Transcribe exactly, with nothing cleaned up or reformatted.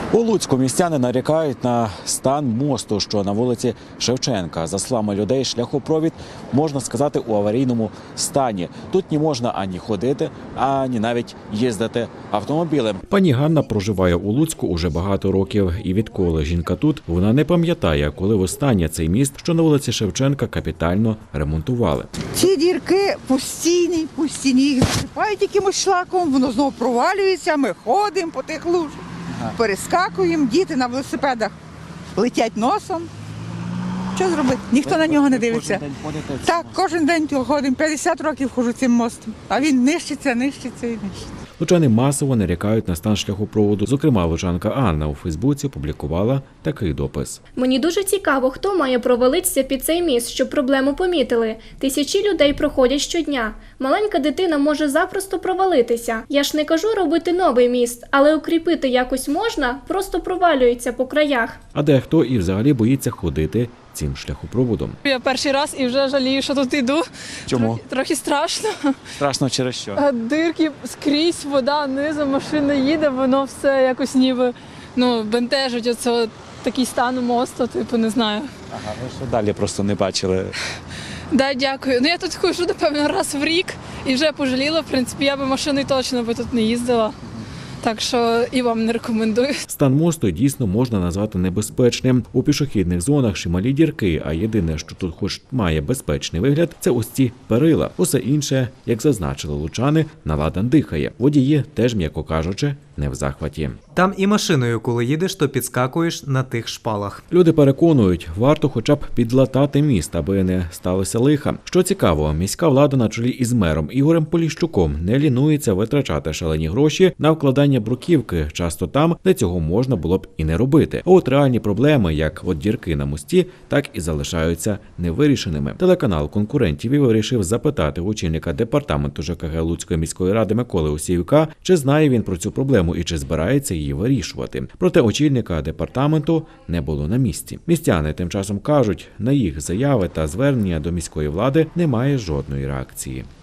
У Луцьку містяни нарікають на стан мосту, що на вулиці Шевченка. За словами людей, шляхопровід, можна сказати, у аварійному стані. Тут не можна ані ходити, ані навіть їздити автомобілем. Пані Ганна проживає у Луцьку уже багато років. І відколи жінка тут, вона не пам'ятає, коли востаннє цей міст, що на вулиці Шевченка, капітально ремонтували. Ці дірки постійні, постійні, їх засипають якимось шлаком, воно знову провалюється, ми ходимо по тих лужах. Перескакуємо, діти на велосипедах летять носом. Що зробити? Ніхто на нього не дивиться. Так, кожен день ходимо, п'ятдесят років ходжу цим мостом, а він нищиться, нищиться і нищиться. Лучани масово нарікають на стан шляхопроводу. Зокрема, лучанка Анна у Фейсбуці публікувала такий допис. Мені дуже цікаво, хто має провалитися під цей міст, щоб проблему помітили. Тисячі людей проходять щодня. Маленька дитина може запросто провалитися. Я ж не кажу робити новий міст, але укріпити якось можна, просто провалюється по краях. А дехто і взагалі боїться ходити цим шляхопроводом. Я перший раз і вже жалію, що тут йду. Чому? Трохи, трохи страшно. Страшно через що? А дирки скрізь, вода, низом, машина їде, воно все якось ніби ну, бентежить. Оце такий стан мосту, типу, не знаю. Ага, ви що далі просто не бачили. Да, дякую. Ну я тут хожу, напевно, раз в рік і вже пожаліла. В принципі, я би машиною точно би тут не їздила. Так що і вам не рекомендую. Стан мосту дійсно можна назвати небезпечним. У пішохідних зонах чималі дірки, а єдине, що тут хоч має безпечний вигляд, це ось ці перила. Усе інше, як зазначили лучани, наладан дихає. Водії теж, м'яко кажучи, не в захваті. Там і машиною, коли їдеш, то підскакуєш на тих шпалах. Люди переконують, варто хоча б підлатати міст, аби не сталося лиха. Що цікаво, міська влада на чолі із мером Ігорем Поліщуком не лінується витрачати шалені гроші на вкладання бруківки, часто там, де цього можна було б і не робити. А от реальні проблеми, як от дірки на мості, так і залишаються невирішеними. Телеканал конкурентів вирішив запитати очільника департаменту ЖКГ Луцької міської ради Миколи Осіюка, чи знає він про цю проблему і чи збирається її вирішувати. Проте очільника департаменту не було на місці. Містяни тим часом кажуть, на їх заяви та звернення до міської влади немає жодної реакції.